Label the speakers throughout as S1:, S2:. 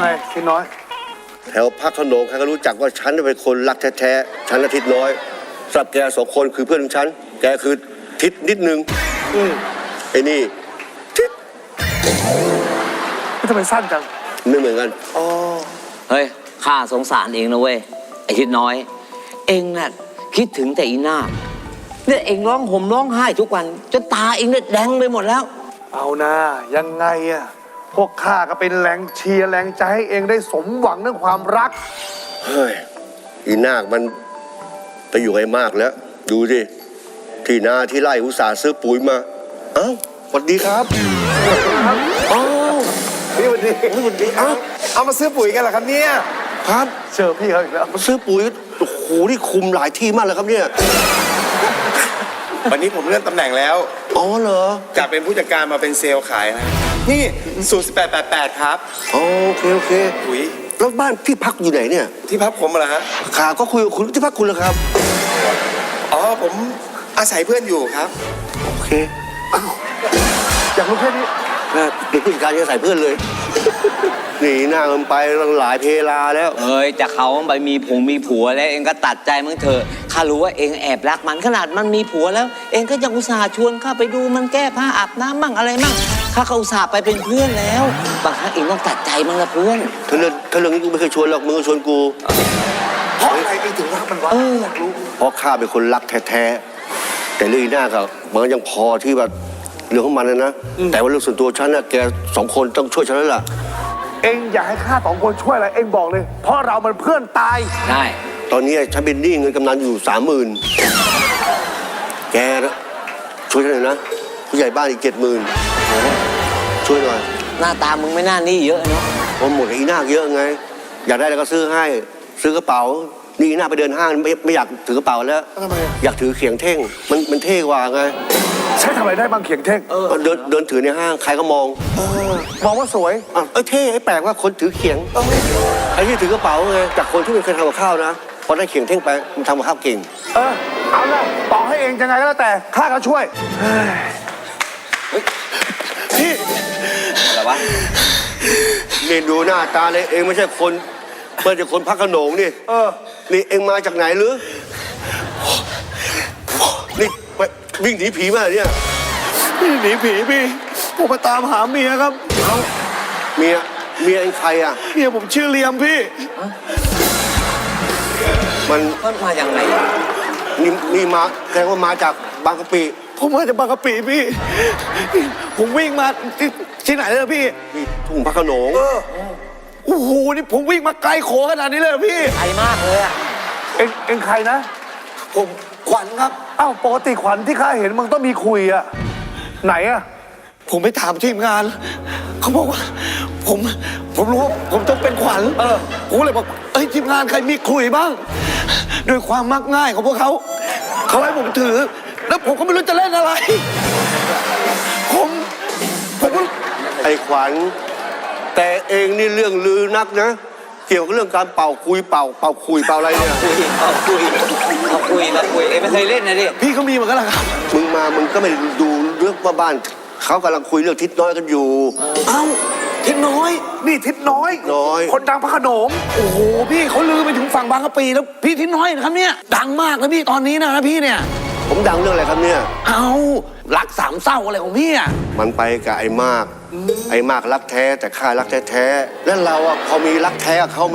S1: ไงทิศน้อย
S2: แถวพักขนงใครก็รู้จักว่าฉันเป็นคนรักแท้ๆฉันอาทิตย์น้อยสำหรับแกสองคนคือเพื่อนของฉันแกคือทิศนิดนึงไอ้นี่ทิศ
S1: ทำไมสั้นจัง
S2: ไม่เหมือนกัน
S1: อ๋อ
S3: เฮ้ยข้าสงสารเองนะเว้ยไอ้ทิศน้อยเองน่ะคิดถึงแต่อีนาคเนี่ยเองร้องห่มร้องไห้ทุกวันจนตาเองเนี่ยแดงไปหมดแล้ว
S1: เอานะยังไงอะพวกข้าก็เป็นแรงเชียร์แรงใจให้เองได้สมหวังเรื่องความรัก
S2: เฮ้ยอีนาคมันไปอยู่ไอ้มากแล้วดูสิที่นาที่ไร่อุตส่าห์ซื้อปุ๋ยมาเอ้าสวัสดีครับ
S1: อ๋อพี่วันนี้วันนี้
S4: เอามาซื้อปุ๋ยกันเหรอครับเนี่ย
S2: ครับ
S1: เจอพี่เขาอีกแล้ว
S2: มาซื้อปุ๋ยโอ้โหนี่คุมหลายที่มากเลยครับเนี่ย
S4: วันนี้ผมเลื่อนตำแหน่งแล้ว
S2: อ๋อเหรอ
S4: จากเป็นผู้จัดการมาเป็นเซลล์ขายนะนี่สูตร1888ครับ
S2: โอเค
S4: ปุ๋ย
S2: แล้วบ้านที่พักอยู่ไหนเนี่ย
S4: ที่พักผมเหรอฮะ
S2: ข่าวก็คุยกับคุณที่พักคุณเหรอครับ
S4: อ๋อผมอาศัยเพื่อนอยู่ครับ
S2: โอเค
S1: อยากรู้แค่นี้
S2: เด็กผู้จัดการจะใส่เพื่อนเลยหนีหน้ามันไปหลายเพลาแล้ว
S3: เฮ้ยจะเขาไปมีผัวแล้วเองก็ตัดใจมึงเถอะข้ารู้ว่าเองแอบรักมันขนาดมันมีผัวแล้วเองก็ยังอุตส่าห์ชวนข้าไปดูมันแก้ผ้าอาบน้ำมั่งอะไรมั่งข้าก็อุตส่าห์ไปเป็นเพื่อนแล้วบางครั้งเองต้องตัดใจมึงละเพื่อน
S2: ถ้าเรื่องนี้กูไม่เคยชวนหรอกมึงก็ชวนกู
S1: เพราะอะไรเองถึงรักมันวะอยากรู้
S2: เพราะข้าเป็นคนรักแท้ๆแต่เรื่องหน้ากับมันยังพอที่แบบเรื่องของมันนะแต่ว่าเรื่องส่วนตัวฉันน่ะแกสองคนต้องช่วยฉันแล้วล่ะ
S1: เองอยากให้ข้าสองคนช่วยอะไรเองบอกเลยเพราะเรามันเพื่อนตาย
S3: ใช่
S2: ตอนนี้ฉันเป็นหนี้เงินกำนันอยู่30,000แกช่วยฉันหน่อยนะผู้ใหญ่บ้านอีก70,000ช่วยหน่อย
S3: หน้าตามึงไม่น่านี่เยอะเนาะ
S2: ผมหมดกับอีนาคเยอะไงอยากได้อะไรก็ซื้อให้ซื้อกระเป๋านี่อีนาคไปเดินห้างไม่อยากถือกระเป๋าแล้ว
S1: ทำไม
S2: อยากถือเขียงเท่งมันเท่กว่าไง
S1: ใช้ทำอะไรได้บางเขียงเท่ง
S2: เดินถือในห้างใครก็มอง
S1: มองว่าสวย
S2: เท่แปลกว่าคนถือเขียงไอ้ที่ถือกระเป๋าไงจากคนที่ไม่เคยทำกับข้าวนะพอได้เขียงเท่งไปมันทำกับข้าวเก่ง
S1: เอาละต่อให้เองยังไงก็แล้วแต่ข้าก็ช่วย
S2: พี่
S3: อะไรวะ
S2: นี่ดูหน้าตาเลยเองไม่ใช่คนเมื่อจะคนพักขนงนี่นี่เองมาจากไหนหรือนี่วิ่งหนีผีมาเนี่ย
S1: หนีผีพี่ผมมาตามหาเมียครับ
S2: เมียเองใครอ่ะ
S1: เมียผมชื่อเลียมพี่
S2: มัน
S3: มาอย่างไร
S2: นี่มาแสดงว่ามาจากบางกะปิ
S1: ผมมาจากบางกะปิพี่ผมวิ่งมาที่ไหนเลยพี่
S2: ทุ่งพักขนง
S1: โอ้โหนี่ผมวิ่งมาไกลโขขนาดนี้เลยพี่
S3: ไกลมากเลยอ่ะ
S1: เอ็งใครนะ
S4: ผมขวัญครับ
S1: ปกติขวัญที่ข้าเห็นมึงต้องมีคุยอะไหนอะ
S4: ผมไปถามทีมงานเขาบอกว่าผมรู้ว่าผมต้องเป็นขวัญผมเลยบอกทีมงานใครมีคุยบ้างด้วยความมักง่ายของพวกเขาให้ผมถือแล้วผมก็ไม่รู้จะเล่นอะไรผม
S2: ไอ้ขวัญแต่เองนี่เรื่องลือนักนะเกี่ยวกับเรื่องการเป่าคุยเป่าคุยเป่าอะไรเนี่ย
S3: คุยเองไม่เคยเล่นนะดิ
S1: พี่เขามีเหมือนกันเหรอครับ
S2: มึงก็ไม่ดูเรื่องว่าบ้านเขากำลังคุยเรื่องทิศน้อยกันอยู่
S1: ทิศน้อยนี่ทิศน้อยคนดังพระโขนงโอ้โหพี่เขาลือไปถึงฝั่งบางกะปิแล้วพี่ทิศน้อยนะครับเนี่ยดังมากนะพี่ตอนนี้นะพี่เนี่ย
S2: ผมดังเรื่องอะไรครับเนี่ย
S1: รักสามเศร้าอะไรของพี่อ่ะ
S2: มันไปกับไอ้มากรักแท้แต่ข้ารักแท้แล้วเราอ่ะพอมีรักแท้กับเขาไหม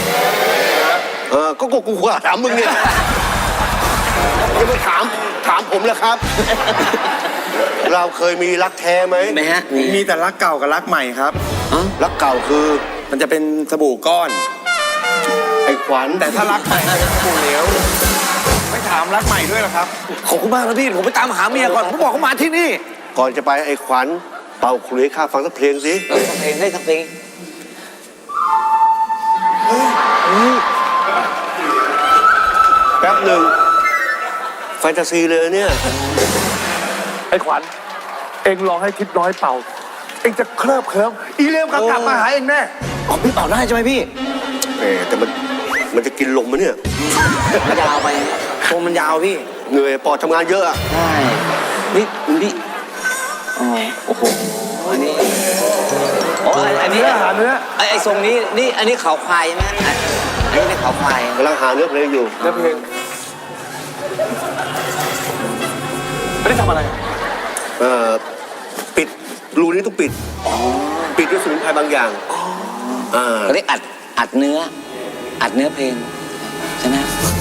S2: ก็กูถามมึงเนี่ยยังมาถามผมเลยครับเราเคยมีรักแท้ไหม
S3: ไม่ฮะ
S4: มีแต่รักเก่ากับรักใหม่ครับ
S2: รักเก่าคือ
S4: มันจะเป็นสบู่ก้อน
S2: ไอ้ขวัญ
S4: แต่ถ้ารักใหม่จะเป็นสบู่เหลวไม่ถามรักใหม่ด้วยหรอครับ
S1: ขอบคุณมากนะพี่ผมไปตามหาเมียก่อนผมบอกเขามาที่นี่
S2: ก่อนจะไปไอ้ขวัญเป่าขลุ่ยข้าฟังสักเพลงสิ
S3: เพลงได้สักเพลง
S2: แป๊บหนึ่งแฟนตาซีเลยเนี่ย
S1: ไอ้ขวัญเอ็งลองให้ทิพย์น้อยเป่าเอ็งจะเคลิบเคลิ้มอีเลียมกลับมาหาเอ็งแน่
S3: พี่เป่าได้ใช่ไหมพี่
S2: แต่มันจะกินลมมั้ยเนี่ย
S3: ยาวไปโคมมันยาวพี่
S2: เหนื่อยปอดทำงานเยอะอ่ะ
S3: ใช่นี่โอ้โหอันนี้โอ้อันนี้
S1: หาเนื้อ
S3: ไอ้ทรงนี้นี่อันนี้เขาควายใช่ไหมอันนี้เป็นเขาควาย
S2: กำลังหาเนื้อเพลงอยู่
S1: เนื้อเพลงไม่ได้ทำอะไร
S2: ปิดรูนี้ต้องปิดปิดด้วยสมุนไพรบางอย่างา
S3: เขาเรียกอัดเนื้อเพลงใช่ไหม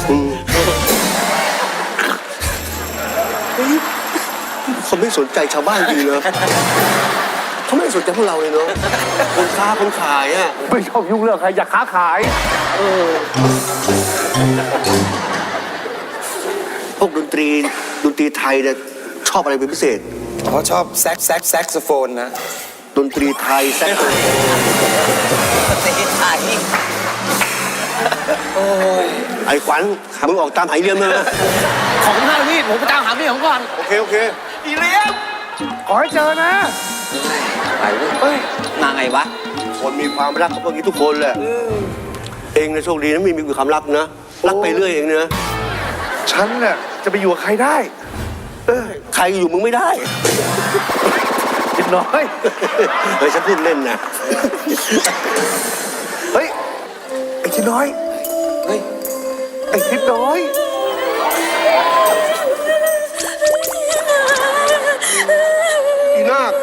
S2: เขาไม่สนใจชาวบ้านจริงเลยเขาไม่สนใจพวกเราเลยเนาะคนค้าคนขายอ่ะ
S1: ไม่ชอบยุ่งเรื่องใครอยากค้าขาย
S2: พวกดนตรีไทยเนี่ยชอบอะไรเป็นพิเศษ
S4: เขาชอบแซกโซโฟนนะ
S2: ดนตรีไทยแซ่บ
S3: ประเทศไทย
S2: ไอ้ขวัญมึงออกตามหายเรียมเลยนะ
S1: ของท่านพี่ผมไปตามหาพี่ของก่อน
S2: โอเค
S1: อีเลี้ยมขอให้เจอนะ
S3: ไปเว้ยมาไงวะ
S2: คนมีความรักก็พวกนี้ทุกคนแหละเองนะโชคดีนะมีความรักนะรักไปเรื่อยเองนะ
S1: ฉันน่ะจะไปอยู่กับใครได้
S2: ใครอยู่มึงไม่ได้
S1: คิดน้อย
S2: เฮ้ยฉันพูดเล่นนะ
S1: เฮ้ย ไอ้คิดน้อย
S3: เฮ้ย
S1: ไอ้คิดน้อย
S2: อีนาค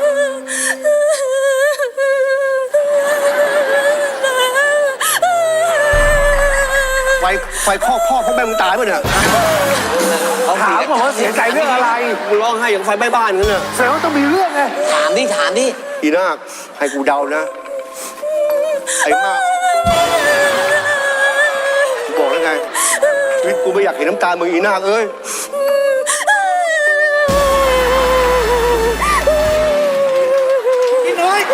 S2: ไฟคอกพ่อแม่มึงตายป่ะเนี่ย
S1: ถามบอกว่าเสียใจเรื่องอะไร
S2: มึงร้องไห้อย่างไฟไหม้บ้านกันน่ะ
S1: แสดงว่าต้องมีเรื่องไง
S3: ถามดิ
S2: อีนาคให้กูเดานะ ไอ้มากกูบอกแล้วไงชีวิตกูไม่อยากเห็นน้ำตามึงอีนาคเอ้ย
S1: คิดน้อย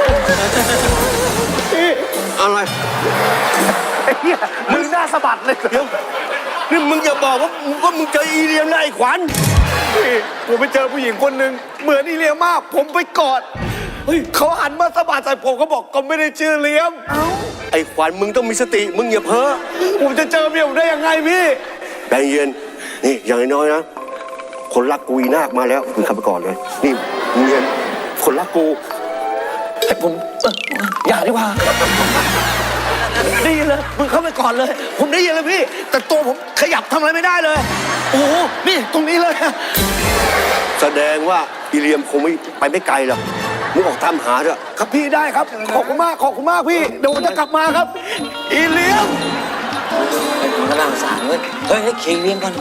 S2: อะไร
S1: ไอ้เหี้ยมึงหน้าสะบัดเลย
S2: เดี๋ยวนี่มึงอย่าบอกว่ามึงเจออีเลียมนะไอ้ขวัญ
S1: พี่ผมไปเจอผู้หญิงคนหนึ่งเหมือนอีเลียมมาก ผมไปกอดเฮ้ยเขาหันมาสะบัดใส่ผมเขาบอกก็ไม่ได้ชื่อเลียม
S2: ไอ้ขวัญมึงต้องมีสติมึงอย่าเพ้อ
S1: ผมจะเจอเมียผมได้ยังไงพี่
S2: ใจเย็นนี่อย่างน้อยๆนะคนรักกูอีนาคมาแล้วมึงขับไปก่อนเลยนี่มึงเย็นคนรักกู
S1: ผมอย่าดีกว่าได้ยินเลยมึงเข้าไปก่อนเลย ผมได้ยินเลยพี่ แต่ตัวผมขยับทำอะไรไม่ได้เลย โอ้โหนี่ตรงนี้เลย
S2: แสดงว่าอีเลียมคงไม่ไปไม่ไกลหรอกมึงออกตามหาเถอะ
S1: ครับพี่ได้ครับขอบคุณมากพี่เดี๋ยวผมจะกลับมาครับ อีเลียม
S3: มึงก็น่าสงสารเว้ยเฮ้ยเคียงเลี้ยงก่อน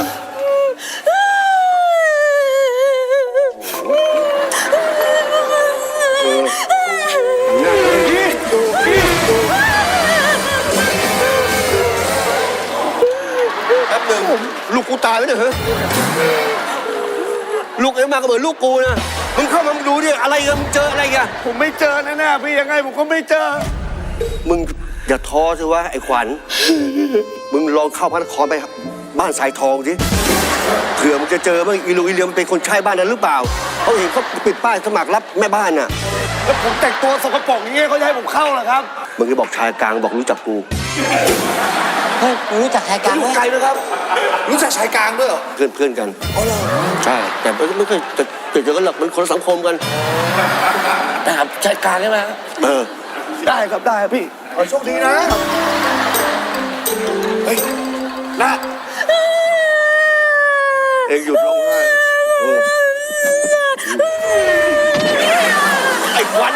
S2: แป๊บหนึ่งลูกกูตายแล้วเนี่ยเฮ้ยลูกเอ็มมาก็เหมือนลูกกูนะมึงเข้ามามึงดูดิอะไรกันมึงเจออะไรกัน
S1: ผมไม่เจอแน่ๆพี่ยังไงผมก็ไม่เจอ
S2: มึงอย่าท้อสิวะไอ้ขวัญมึงลองเข้าพระนครไปบ้านสายทองสิเผื่อมึงจะเจอว่าอีลูอีเลียมเป็นคนใช้บ้านนั้นหรือเปล่าเขาเห็นเขาปิดป้ายสมัครรับแม่บ้านน่ะ
S1: แล้วผมแต่งตัวสกปรกอย่างเงี้ยเขาจะให้ผมเข้าเหรอครับ
S2: มึงจะบอกชายกลางบอกรู้จักกู
S3: เฮ้ยมึงรู้จักใครกัน
S1: อยู่
S3: ไหม
S1: ไกลนะครับ รู้จักชายกลางด้วยเหรอ
S2: เพื่อนกันใช่แต่ไม่เคยเจอกันหรอกมันคนละสังคมกัน
S1: นะครับชายกลางใช่ไหม ได้ครับได้ครับพี่ขอโชคดีนะเฮ้ยนะ
S2: เองหยุดร้องไห้ไอ้ขวัญ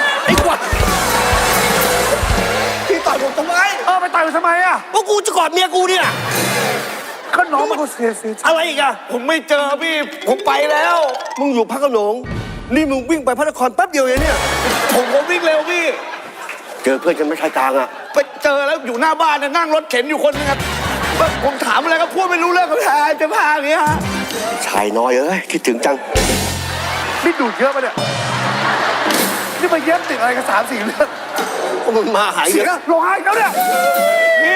S1: พี่ต่อยผมทำไมไปต่อยผมทำไมอ่ะ
S2: ว่ากูจะกอดเมียกูเนี่ย
S1: ก็น้องมันก็เสีย
S2: อะไรอีกอะ
S1: ผมไม่เจอพี่ผมไปแล้ว
S2: มึงอยู่พระโขนงนี่มึงวิ่งไปพระนครแป๊บเดียวเองเนี่ย
S1: ผมก็วิ่งเร็วพี่
S2: เจอเพื่อนกันไม่ชายกลางอะ
S1: ไปเจอแล้วอยู่หน้าบ้านน่ะนั่งรถเข็นอยู่คนนึงครับผมถามอะไรก็พูดไม่รู้เรื่องกับจะพาอย่างเงี้ยฮะ
S2: ชายน้อยเอ้ยคิดถึงจัง
S1: นี่ดูดเยอะปะเนี่ยนี่มาเย็บติดอะไรกัน3-4เรื่อง
S2: ก็มึงมาหาย
S1: เสี
S2: เย
S1: ย
S2: อะ
S1: ร้องไห้แล้วเนี่ยพี่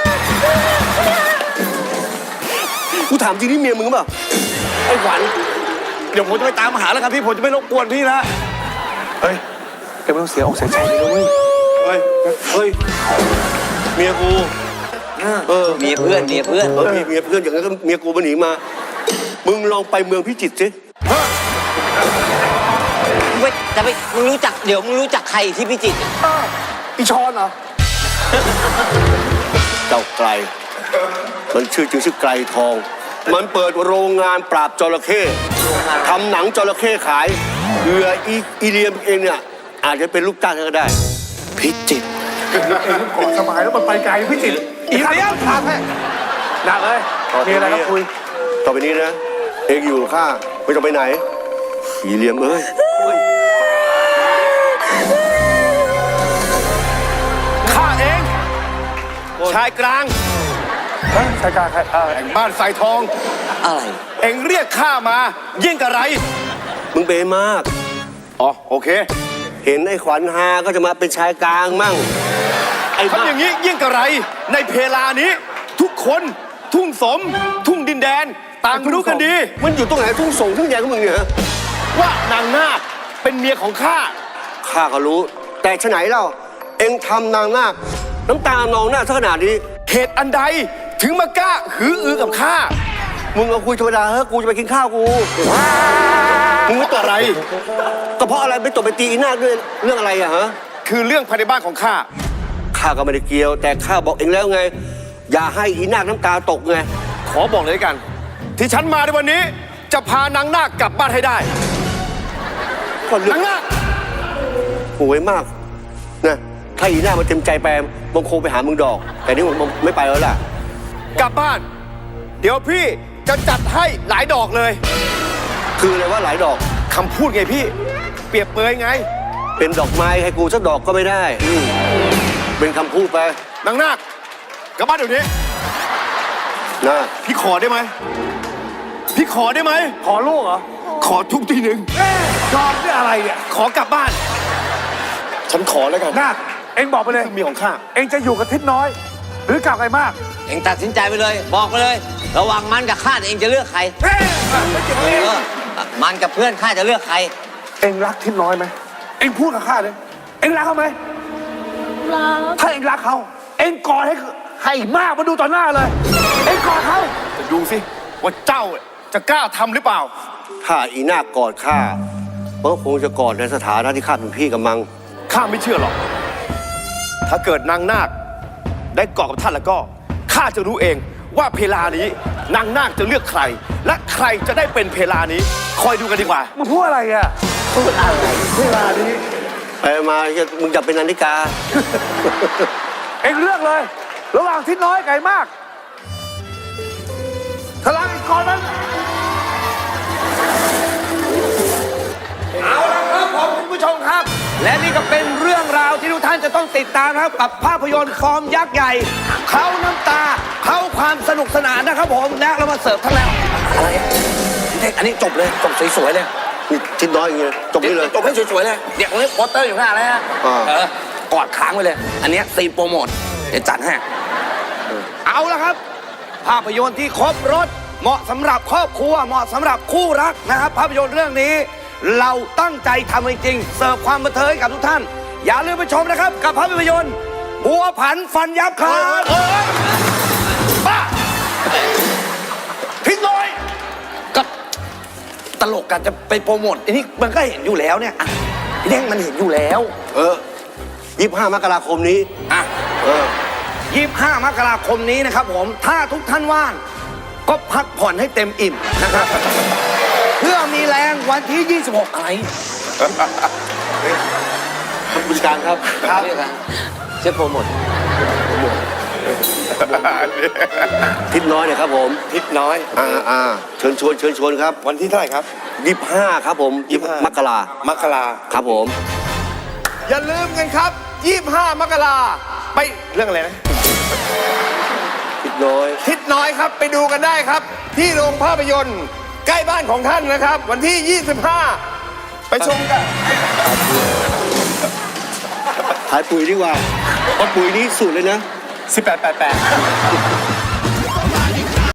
S2: กูถามจริงนี่เมียมึงเปล่าไอ้ขวัญ
S1: เดี๋ยวผมจะไปตามหาแล้วครับพี่ผมจะไม่รบกวนพี่นะเฮ้ยแกไม่ต้องเสียอกเสียใจเลยนะเว้ย
S2: เฮ้ยเมียกู
S3: เมียเพื่อน
S2: มีเมียเพื่อนอย่างนั้นก็เมียกูมาหนีมา มึงลองไปเมืองพิจิตรสิ
S1: ไป
S3: มึงรู้จักเดี๋ยวมึงรู้จักใครที่พิจิตร
S4: อีชอนเหรอ
S2: เจ้าไกล มันชื่อไกลทอง มันเปิดโรงงานปราบจระเข้ทำหนังจระเข้ขายเผื่ออีเลียมเองเนี่ยอาจจะเป็นลูกจ้างก็ได้
S1: พิจิตร
S4: เองก่อนสบายแล้วมันไปไกลพี่จิตรอีเลี้ยงทางแท้หนักเลยมีอะไรก็คุย
S2: ต่อไปนี้นะ เองอยู่ข้าไม่ต้องไปไหนอีเลียมเอ้ย
S5: ข้าเอง ชายกลาง
S4: ชายกลางใคร
S5: แห่งบ้านสายทอง
S3: อะไร
S5: เองเรียกข้ามายิ่งกะไร
S2: มึงเบมาก
S5: อ๋อโอเค
S2: เห็นไอ้ขวัญฮาก็จะมาเป็นชายกลางมั่งไอ้บ้า
S5: ทำอย่างนี้ยิ่งกะไร ในเพลานี้ ทุกคนทุ่งสม ทุ่งดินแดน ต่างรู้กันดี
S2: มันอยู่ตรงไหนทุ่งส่งทุ่งแยงของมึงเนี่ยฮะ
S5: ว่านางนาคเป็นเมียของข้า
S2: ข้าก็รู้ แต่ฉะไหนเล่า เองทำนางนาคน้ำตานองหน้าซะขนาดนี้
S5: เหตุอันใดถึงมากล้าหืออือกับข้า
S2: มึงเอาคุยธรรมดาเฮ้ยกูจะไปกินข้าวกู
S5: มึงรู้ตัวอะไร
S2: ก็เพราะอะไรไปตบไปตีอีนาคด้วยเรื่องอะไรอะฮะ
S5: คือเรื่องภายในบ้านของข้า
S2: ข้าก็ไม่ได้เกี่ยว แต่ข้าบอกเองแล้วไง อย่าให้อีนาคน้ำตาตกไง
S5: ขอบอกเลยกัน ที่ฉันมาในวันนี้ จะพานางนาคกลับบ้านให้ได้
S2: ก็เรื่อน
S5: างนาค
S2: โหวยมากนะถ้าอีนาคมันเต็มใจไปมันคงไปหามึงดอก แต่นี่มันไม่ไปแล้วล่ะ
S5: กลับบ้าน เดี๋ยวพี่จะจัดให้หลายดอกเลย
S2: คืออะไรว่าหลายดอก
S5: คำพูดไงพี่ เปรียบเปรยไง
S2: เป็นดอกไม้ให้กูสักดอกก็ไม่ได้เป็นคำพูดไป
S5: นางนาคกลับบ้านเดี๋ยวนี้
S2: นะ
S5: พี่ขอได้ไหม พี่ขอได้ไหม
S4: ขอลูกเหรอ
S5: ขอทุกทีหนึ่ง
S4: ชอบนี่อะไรเนี่ย
S5: ขอกลับบ้าน ฉันขอแล้วกัน
S4: นาคเองบอกไปเลย
S5: เมียของข้า
S4: เองจะอยู่กับทิศน้อย หรือกลับไกลมาก
S3: เองตัดสินใจไปเลย บอกไปเลย ระหว่างมันกับข้าเองจะเลือกใครมันกับเพื่อนข้าจะเลือกใคร
S4: เองรักทิศน้อยไหมเองพูดกับข้าเลย เองรักเขาไหม
S6: รัก
S4: ถ้าเองรักเขา เองกอดให้มากมาดูต่อหน้าเลย เองกอดเขา
S5: จะดูสิว่าเจ้าจะกล้าทำหรือเปล่า
S2: ถ้าอีนาคกอดข้ามันก็คงจะกอดในสถานะที่ข้าเป็นพี่กับมัง
S5: ข้าไม่เชื่อหรอก ถ้าเกิดนางนาคได้เกาะกับท่านแล้วก็ ข้าจะรู้เองว่าเพลานี้ นางนาคจะเลือกใคร และใครจะได้เป็นเพลานี้ คอยดูกันดีกว่า
S4: มึงพูดอะไรอ่ะพูดอะไรเวลานี้
S2: ไปมามึงจะเป็นนาฬิกา
S4: เองเลือกเลย ระหว่างทิศน้อยไกลมากพลังอีกก่อนนั้น
S1: เอาละครับผมคุณผู้ชมครับ และนี่ก็เป็นเรื่องราวที่ทุกท่านจะต้องติดตามนะครับกับภาพยนตร์ฟอร์มยักษ์ใหญ่เขาน้ำตาเขาความสนุกสนานนะครับผมและเรามาเสิร์ฟทั้งแล้วอะไรอ่ะพี่เท่งอันนี้จบเลยจบสวยๆเลย
S2: นี่ทิศน้อยอย่างเงี้ยจบนี่เลย
S1: จบให้สวยๆเลยเดี๋ยวนี้โปสเตอร์อยู่ข้างหน้าแล้วฮะ
S2: อ่า
S1: กอดค้างไว้เลย อันเนี้ยซีนโปรโมทเดี๋ยวจัดให้เอาละครับ ภาพยนตร์ที่ครบรถเหมาะสำหรับครอบครัวเหมาะสำหรับคู่รักนะครับ ภาพยนตร์เรื่องนี้ เราตั้งใจทำจริงๆเสิร์ฟความบันเทิงให้กับทุกท่าน อย่าลืมไปชมนะครับ กับภาพยนตร์บัวผันฟันยับครับบ้าทิ้งน้อยกับตลกกันจะไปโปรโมทอันนี้มันก็เห็นอยู่แล้วเนี่ยอ่ะพี่เด้งมันเห็นอยู่แล้ว
S2: 25 มกราคมนี้
S1: อ่ะ 25 มกราคมนี้นะครับผม ถ้าทุกท่านว่าง ก็พักผ่อนให้เต็มอิ่มนะครับ เพื่อมีแรงวันที่ 26 อะไร
S2: ผู้จัดการครับ
S3: ครับเชื่อโปรโมท
S2: ทิศน้อยเนี่ยครับผม
S5: ทิศน้อย
S2: เชิญชวนครับ
S5: วันที่เท่าไหร่ครับ
S2: 25 ครับผม25 มกราม
S5: กรา
S2: ครับผม
S5: อย่าลืมกันครับ 25 มกราไปเรื่องอะไรนะ
S2: ทิศน้อย
S5: ทิศน้อยครับไปดูกันได้ครับ ที่โรงภาพยนตร์ใกล้บ้านของท่านนะครับ วันที่ 25 ไปชมกัน
S2: ขายปุ๋ยดีกว่าเพราะปุ๋ยนี้สูตรเลยนะ
S5: 1888